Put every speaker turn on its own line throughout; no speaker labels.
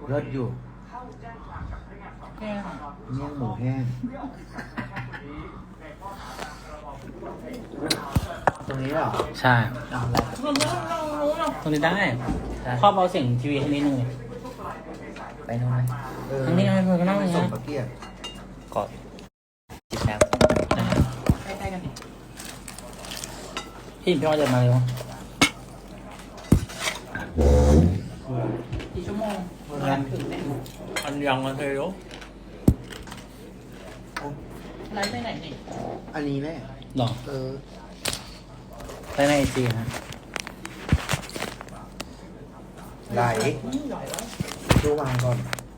เลิศอยู่
แห้ง
เมี่ยงหมูแห้งตรงนี้เหรอ
ใช่
เอาอะไร
ตรงนี้ได้ครอบเอาเสียงทีวีให้นิดนึงเลยไปนู่นไหมทางนี้ไงเพื่อนก็นั่งอย่าง
ส่
เงี้
ง
ย
ตะเกียบ
กดจิบน้
ใกล้ๆกันดิ
ำพี่พี่ว่าจะมาเร็ว
กี่ชั่วโมงถึงเนี่ย
อันยังมันเร็ว
ไลฟ์ไปไหนนี่
อันนี้แหละ
หรอ ได้ในไอจีฮะ
ไหล
ใหญ่แล้ว
ดูวางก่อน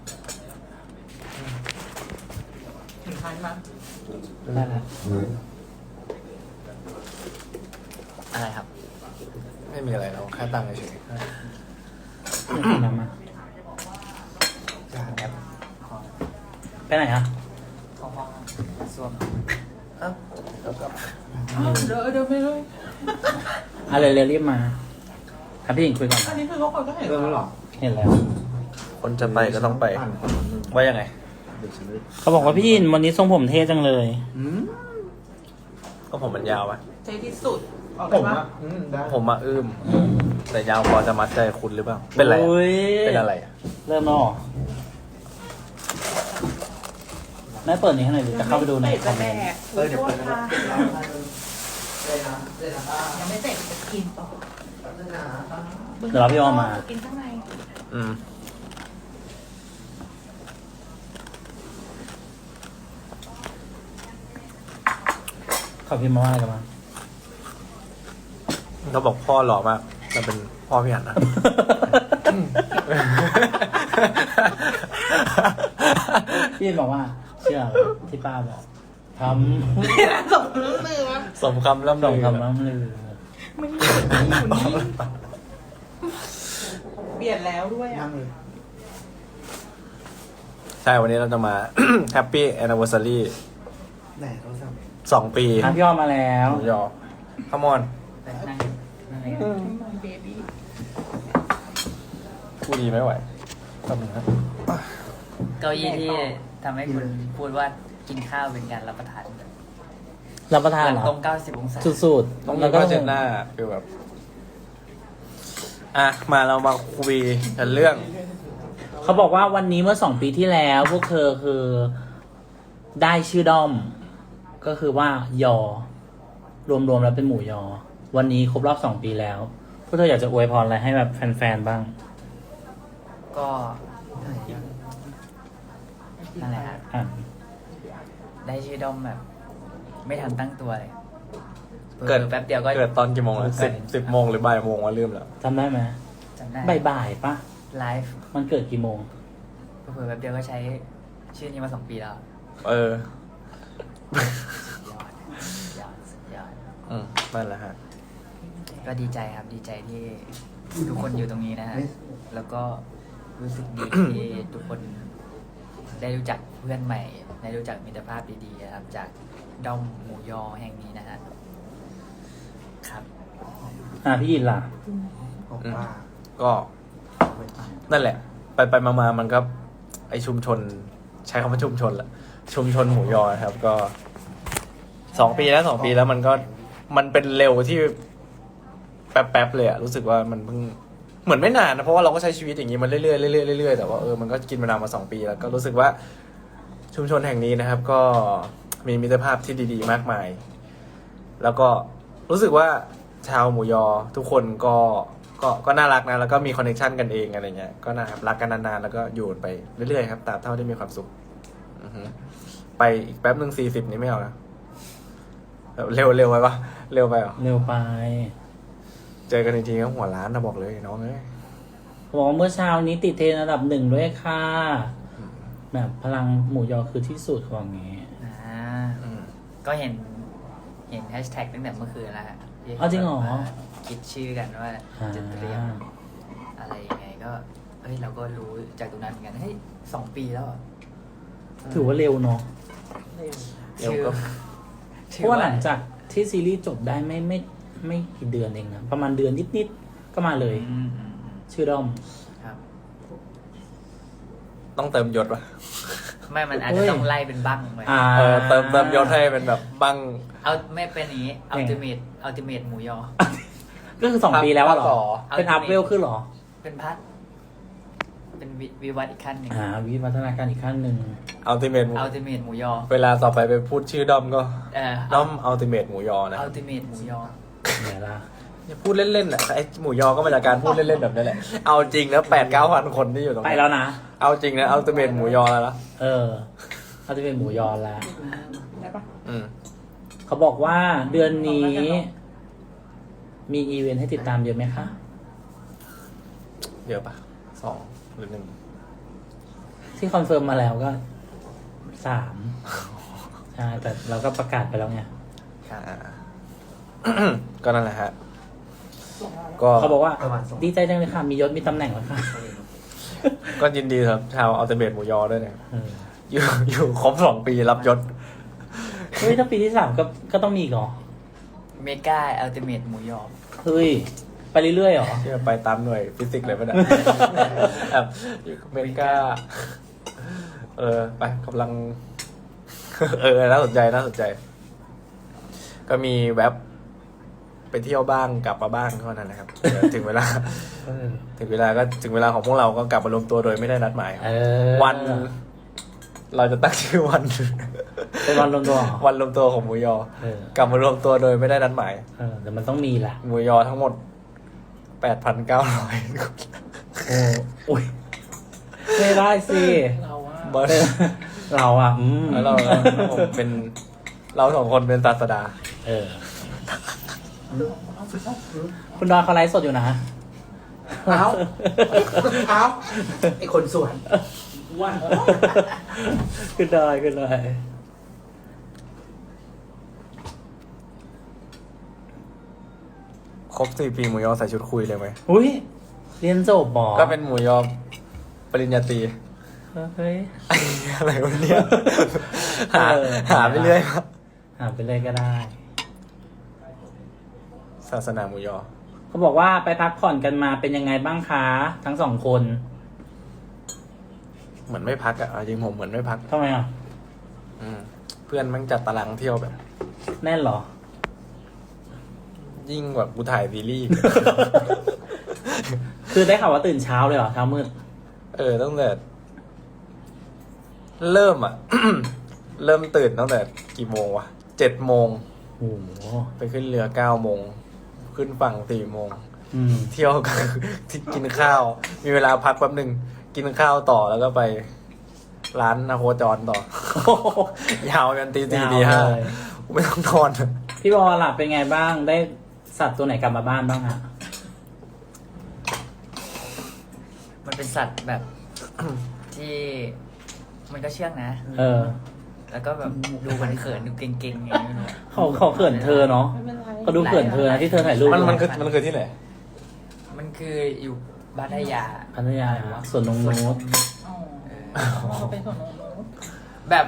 ถึงท้ายมั้ย
ได้แล้ว
อะไรครับ ไม่มีอะไรเราแค่ตั้งเฉย
ไม่กินน้ำมา
จานแอป
ไปไหนฮะ
ๆของห้องส้วมเอ้าแล้วก็
เดี๋ยวไปเลย
อะไรเร็วรีบมาครับพี่หญิงคุยก่อน
อันนี้คือเขาคนก็เห็น
เริ่มแล้วเหรอ
เห็นแล้ว
คนจะไปก็ต้องไป
ปั่น
ว่ายังไง
เดี๋ยวฉันเลย
เขาบอกว่าพี่หญิงวันนี้ทรงผมเท่จังเลย
อืม
ก็ผมมันยาวอะ
ใจที่สุดออก
ผ
กัน
ม
ปะ
อ่ะได้
ผมมาอื้มแต่ยาวพอจะมัดใจคุณหรือเปล่า เป็นไรอะ
โอ้ย
เป็นอะไรอะ
เริ่มแล้วเหรอแม่เปิดนี้ให้หน่อยดิจะเข้าไปดูใน
เตะ
คอ
จะ
มเม
แด
นต์
ก
เดี๋ยวเปิดนะ
ค่ะ
เลยนะเลยนะ
ยังไม่เตะจะกินต่อ
เลยนะ
เดี๋ยวเราพี่ออมมา
กินข้างใน
อืม
เขาพิมพ์มาว่าอะไรกันบ้าง
เขาบอกพ่อหล่อมากแต่เป็นพ่อพี่หันนะ
พี่หญิงบอกว่า เชื่อที่ป้าบอกท
สมรู้มือวะ
สมคำล่ำ
ำส่ง
ลือ
คำน้ำลือ
ไม่อยู่นี่เปลี่ยนแล้วด้วยอ่ะ
นั่งเลย
ใช่วันนี้เราจะมา Happy Anniversary
ไหนโทรศัพท์
2 ปี
อ่ะพี่ออมมาแล้ว
หมูยอขมอน
นั่งนั่ง
เบบี้
พูดดีไม่ไหวแป๊บนึงครับ
เก้าอี้ที่ทำให้คุณพูดว่ากินข้าวเป็นการรับประทาน
รับประทาน
หลั
เหรอ
ตรง 90 องศา
สุด
ต้อง
ๆ
มี
แล้วก็
ก็เจนหน้าคือแบบ อ่ะ มาเรามาคุยกันเรื่อง
เขาบอกว่าวันนี้เมื่อ2 ปีที่แล้ว พวกเธอคือได้ชื่อด้อม ก็คือว่ายอ รวมๆแล้วเป็นหมูยอ วันนี้ครบรอบ2 ปีแล้ว พวกเธออยากจะอวยพรอะไรให้แบบแฟนๆบ้าง
ก็นั่นแหละครับ
อ่ะ
ได้ชื่อด้อมแบบ ไม่ทันตั้งตัวเลย
เกิด
แป๊บเดียวก็
เกิดตอนกี่โมงอะสิบโมงหรือบ่ายโมงวะลืมแล้ว
จำได้ไหม
จำได้
บ่ายๆปะ
ไลฟ์
มันเกิดกี่โมง
เผื่อแป๊บเดียวก็ใช้ชื่อนี้มา2 ปีแล้ว
เออ
สุดยอดสุดยอด
นั่นแหละฮะ
ก็ดีใจครับดีใจที่ทุกคนอยู่ตรงนี้นะฮะแล้วก็รู้สึกดีที่ทุกคนได้รู้จักเพื่อนใหม่ ได้รู้จักมิตรภาพดีๆนะครับ จากด้อมหมูยอแห่งนี้นะฮะครับ
พี่อินล่ะ
ของป้า
ก็นั่นแหละ ไปมามันก็ไอชุมชน ใช้คำว่าชุมชนแหละชุมชนหมูยอครับ ก็2 ปีแล้วมันก็มันเป็นเร็วที่แป๊บๆเลยอะรู้สึกว่ามันเพิ่งเหมือนไม่นานนะเพราะว่าเราก็ใช้ชีวิตอย่างนี้มาเรื่อยๆเรื่อยๆเรื่อยๆแต่ว่ามันก็กินมานานมา2 ปีแล้วก็รู้สึกว่าชุมชนแห่งนี้นะครับ ก็มีมิตรภาพที่ดีๆมากมาย แล้วก็รู้สึกว่าชาวหมูยอทุกคนก็น่ารักนะแล้วก็มีคอนเนคชันกันเองอะไรเงี้ยก็น่ารักกันนานๆแล้วก็อยู่ไปเรื่อยๆครับตราบเท่าที่มีความสุขอือฮึไปอีกแป๊บนึง40นี้ไม่เอานะเร็วไปปะเร็วไปเหรอ
เร็วไป
เจอกันจริงๆก็หัวล้านนะบอกเลยน้องเอ้ย
เขาบอกว่าเมื่อเช้านี้ติดเทรนด์อันดับ1ด้วยค่ะ แบบพลังหมูยอคือที่สุดของงี้
อืม
ก็เห็นแฮชแท็กตั้งแต่เมื่อคืนแล้วฮะที่
อ๋อจริงเหรอ
มาคิดชื่อกันว่าจะเตรียมอะไรยังไงก็เฮ้ยเราก็รู้จากตรงนั้นเหมือนกันเฮ้ย2 ปีแล้วเหรอ
ถือว่าเร็วเนาะ
เร็วก็
เพราะว่าหลังจากที่ซีรีส์จบได้ไม่กี่เดือนเองนะประมาณเดือนนิดๆก็มาเลย
อืม
ชื่อด้อม
ครับ
ต้องเติมยศป่ะ
ไม่มันอาจจะต้องไล่เป็นบั้งไป
เติมยศให้เป็นแบบบัง
เอาไม่เป็นอย่างนี้อัลติเมทหมูยอ
ก็คือ2 ปีแล้วอะเหร
ภาค
อ
ต่อ
เป็นอัพเวลขึ้นเหรอ
เป็นพัดเป็นวิวัฒน์อีกขั้นหนึ่ง
วิวัฒนาการอีกขั้นหนึ่ง
อัลติเมท
อัลติเมทหมูยอ
เวลาต่อไปไปพูดชื่อด้อมก็
อั
ด้อมอัลติเมทหมูยอนะ
ลติเมทหมูยอ
เนี่ยละ
อย่าพูดเล่นๆอ่ะไอหมูยอก็มาจากการพูดเล่นๆแบบนี้แหละเอาจริงแล้ว8-9,000 คนที่อยู่ตรง
ไป
นี้
แล้วนะ
เอาจริงนะอัลติเมทหมูยอแล้วนะ
เขาจะเป็นหมูยอแล้ว
ได้ปะ
เขาบอกว่าเดือนนี้ มีอีเวนต์ให้ติดตามเยอะไหมคะ
เยอะปะ2 หรือ 1
ที่คอนเฟิร์มมาแล้วก็3ใช่แต่เราก็ประกาศไปแล้วไง
ก็นั่นแหละฮะก็
เขาบอกว่าดีใจจังเลยค่ะ มียศมีตำแหน่งแล้วค่ะ
ก็ยินดีครับชาวอัลติเมทหมูยอด้วยเนี่ย
เออ
อยู่ครบ2 ปีรับยศ
เฮ้ยถ้าปีที่3ก็ต้องมีอีกเหรอ
เมกาอัลติเมทหมูยอ
เฮ้ย ไปเรื่อยๆเหรอ
ที่ไปตามหน่วยฟิสิกส์เลยป่ะเนี่ย แบบอยู่อเมริกาไปกำลัง น่าสนใจน่าสนใจ ก็มีแว็บไปเที่ยวบ้างกลับมาบ้างเท่านั้นนะครับ เดี๋ยวถึงเวลา ถึงเวลาของพวกเราก็กลับมารวมตัวโดยไม่ได้นัดหมาย วัน เราจะตั้งชื่อวัน
เป็นวันรวมตัวเหรอ
วันรวมตัวของหมูยอ กลับมารวมตัวโดยไม่ได้นัดหมาย
แต่มันต้องมีแหละ
หมูยอทั้งหมด 8,900 คน
โอ้ยไม่ได้สิ
เราว่า
บอส
เราอ่ะ
แล้วผมเป็นเรา2 คนเป็นศาสดา
คุณดอนเขาไลฟ์สดอยู่นะ
เอาไอคนสวน
ว่า
ขึ้นได้ขึ้นได้
ครบ4 ปีหมูยอใส่ชุดคุยเลยไหม
อุ้ยเรียนจบหมอ
ก็เป็นหมูยอปริญญาตรี
เฮ้ย
อะไรวะเนี่ยหาไปเรื่อยครับ
หาไปเลยก็ได้
ศาสนาหมูยอ
เขาบอกว่าไปพักผ่อนกันมาเป็นยังไงบ้างคะ ทั้ง2 คน
เหมือนไม่พักอ่ะเอาจริงผมเหมือนไม่พัก
ทำไมอ่ะ
เพื่อนมันจัดตารางเที่ยวแบบ
แน่นเหรอ
ยิ่งแบบกูถ่ายซีรีส์
คือได้ข่าวว่าตื่นเช้าเลยเหรอ เช้ามืด
ตั้งแต่เริ่มอ่ะ เริ่มตื่นตั้งแต่กี่โมงวะ7 โมง
โอ้โห
ไปขึ้นเรือ9 โมงขึ้นฝั่ง4 โมง เที่ยวกัน ที่กินข้าว มีเวลาพักแป๊บหนึ่งกินข้าวต่อแล้วก็ไปร้านนาโคจรต่อ ยาวกันตี 4 ตี
ยาว
5
เลย
ไม่ต้องนอน
พี่บอลล่ะเป็นไงบ้าง ได้สัตว์ตัวไหนกลับมาบ้านบ้างฮะ
มันเป็นสัตว์แบบ ที่มันก็เชื่องนะ แล้วก็แบบดูมันเขินดูเก่งๆอย่างนี้ไม่รู้
เขาเขินเธอเนาะ
ไม่เป็นไร
เขาดูเขินเธอนะที่เธอถ่ายรูป
มันคือที่ไหน
มันคืออยู่บ้านทยา
พัทยาสวนนงนูด
อ๋อเราเป็นส่วนโน้น
แบบ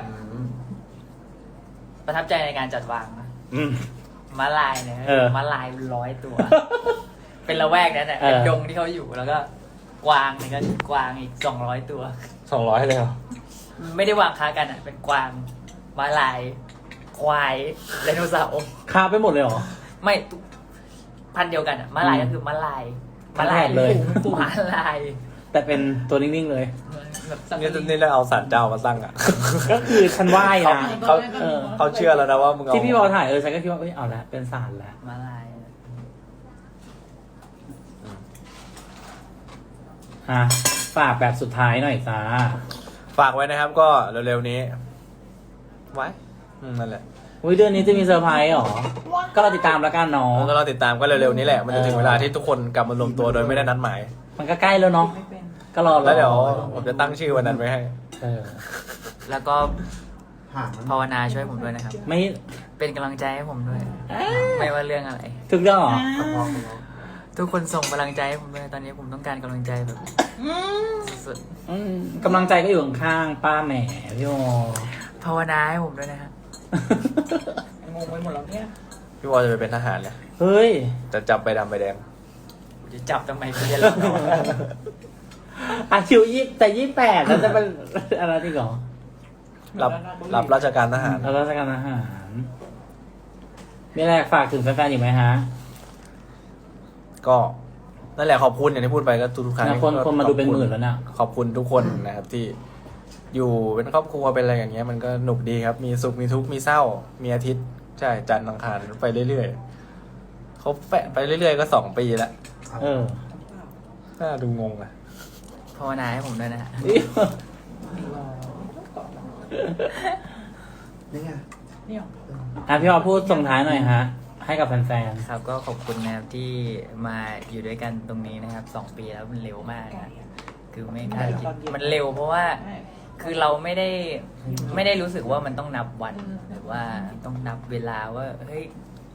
ประทับใจในการจัดวางนะม้าลายเนี่ยม้าลาย100 ตัว เป็นละแวกนั้นแหละเป็นดงที่เขาอยู่แล้วก็กวางเนี่ยก็กวางอีก200 ตัว
200เลยเหรอ
ไม่ได้วางค้ากันอ่ะ เป็นกวางม้าลาย ควายไดโนเสาร์
คาไปหมดเลยเหรอ
ไม่พันธุ์เดียวกันอ่ะม้าลายก็คือม้าลาย
ม้าลายเลย
ม้าลาย
แต่เป็นตัวนิ่งๆเลย
แบบสัง
นี่เราเอาสัตว์เจ้ามาตั้งอ่ะ
ก็คือฉันไหว้นะ
เขาเชื่อแล้วนะว่ามึงเอา
ที่พี่บอลถ่ายฉันก็คิดว่าเอาละเป็นสารแล้ว
ม้าลาย
ฝากแบบสุดท้ายหน่อยจ้า
ฝากไว้นะครับก็เร็วๆนี้ ไว้นั่นแหละ
อุ้ยเดือนนี้จะมีเซอร์ไพรส์เหรอ ก็เราติดตามแล้วกันเนาะ
ก็เราติดตามก็เร็วๆนี้แหละ มันจะถึงเวลาที่ทุกคนกลับมารวมตัวโดยไม่ได้นัดหมาย
มันก็ใกล้แล้วเนาะ
ไม่เป็น
ก็รอ
แล้วเดี๋ยวผมจะตั้งชื่อวันนั้นไว้ให้
แล้วก็
หาง
ภาวนาช่วยผมด้วยนะครับ
ไม่
เป็นกำลังใจให้ผมด้วย ไม่ว่าเรื่องอะไร
ถึงเรื่องเหรอ
ทุกคนส่งกำลังใจให้ผมด้วยตอนนี้ผมต้องการกำลังใจแบบสุด
กำลังใจก็อยู่ข้างๆป้าแหมพี่โม
ๆภาวนาให้ผมด้วยนะครับ
งงไปหมดแล้วเนี่ย
พี่วอจะไปเป็นทหารเลย
เฮ้ย
จะจับใบดำใบแดง
จะจับทำไมพี่จะเล่น
อาคิวแต่28แล้วจะเป็นอะไรที่ก่อ
รับราชการทหาร
แล้วราชการอาหารมีอะไรฝากถึงแฟนๆอีกไหมฮะ
ก็นั่นแหละขอบคุณอย่างที่พูดไปก็ทุกๆครั้ง
คนมาดูเป็นหมื่นแล้วเนี่ย
ขอบคุณทุกคนนะครับที่อยู่เป็นครอบครัวเป็นอะไรอย่างเงี้ยมันก็หนุกดีครับ มีสุขมีทุกข์มีเศร้า มีอาทิตย์ใช่จันทร์อังคารไปเรื่อยๆเขาแปะไปเรื่อยๆก็2 ปีแล้ว
เออ
น่าดูงงอ่ะ
ภาวนาให้ผมด้วยนะฮะ
นี่ไง
เนี่ย
พี่ออพูดส่งท้ายหน่อยฮะ ให้กับแฟน
ครับก็ขอบคุณนะครับที่มาอยู่ด้วยกันตรงนี้นะครับ2 ปีแล้วมันเร็วมากนะคือไม่คาดคิดมันเร็วเพราะว่าคือเราไม่ได้รู้สึกว่ามันต้องนับวันหรือว่าต้องนับเวลาว่าเฮ้ย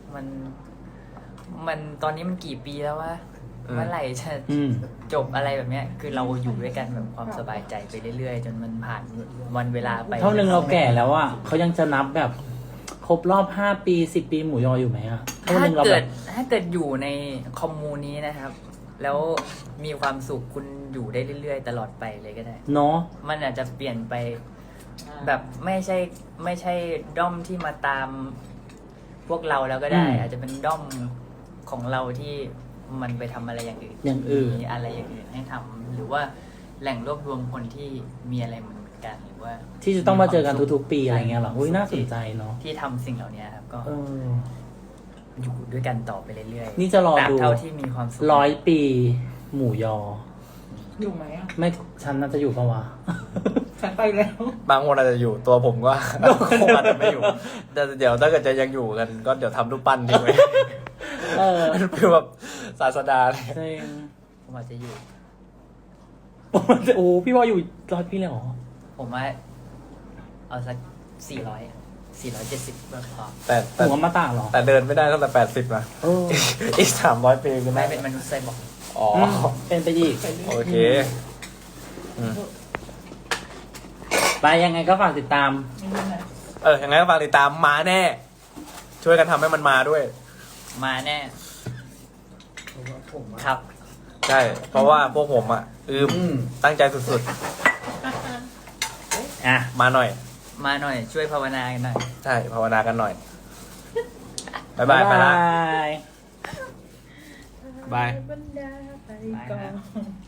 มันตอนนี้มันกี่ปีแล้ววะ เมื่อไหร่จะ
อืม
จบอะไรแบบเนี้ย คือเราอยู่ด้วยกันแบบความสบายใจไปเรื่อยๆ จนมันผ่านวันเวลาไป
เท่านึงเราแก่แล้วอ่ะเขายังจะนับแบบครบรอบ5 ปี10 ปีหมูยออยู่ไหมอ่ะเท่า
ถ้า
นึงเรา
เกิ
แบ
ด
บ
ถ้าเกิดอยู่ในคอมมูนี้นะครับ แล้วมีความสุขคุณอยู่ได้เรื่อยๆ ตลอดไปเลยก็ได้
เนาะ
มันอาจจะเปลี่ยนไปแบบไม่ใช่ด้อมที่มาตามพวกเราแล้วก็ได้ อาจจะเป็นด้อมของเราที่มันไปทำอะไรอย่างอื่น
อย่างอื่น
มีอะไรอย่างอื่นให้ทำหรือว่าแหล่งรวบรวมคนที่มีอะไรเหมือนกันหรือว่า
ที่จะต้องมาเจอกันทุกๆปีอะไรเงี้ยเหรออุ้ยน่าสนใจเนาะ
ที่ทำสิ่งเหล่านี้ครับก็
เออ
อยู่ด้วยกันต่อไปเรื่อยๆ
นี่จะรอ
ตราบ
ดู
เท่าที่มีความสุข
100 ปีหมูยอ
อยู่ไหมอ่ะ
ไม่ฉันน่าจะอยู่ปะวะ
ฉันไปแล้ว
บางคนอาจจะอยู่ตัวผมก็ คงอาจจะไม่อยู่แต่เดี๋ยวถ้าเกิดจะยังอยู่กัน ก็เดี๋ยวทำรูปปั้นทิ้งไว้
เออ
คือแบบศาสดาเลย
จริง
ผมอาจจะอยู่
โอ้พี่ว่าอยู่100 ปีเลยเหรอ
ผมว่าเอาสัก470ก็พอ
แต่
หัวมาตาเหรอ
แต่เดินไม่ได้ตั้งแต่80นะ
เออ
อีก300 ปีคือ
ไม่
ไม่
เป็นมนุษย์ไซบอร์ก
อ๋อ
เป็นไปอีก
โอเคอืม
ไปยังไงก็ฝากติดตาม
ยังไงก็ฝากติดตามมาแน่ ช่วยกันทำให้มันมาด้วย
มาแน่
ผมอะ
ครับ
ใช่ เพราะว่าพวกผมอ่ะตั้งใจสุด
อ่ะ
ๆ มาหน่อย
มาหน่อยช่วยภาวนากันหน่อย
ใช่ ภาวนากันหน่อย บ๊ายบาย ไปละ
บ๊ายบาย
บาย
บรรดาไปก่อน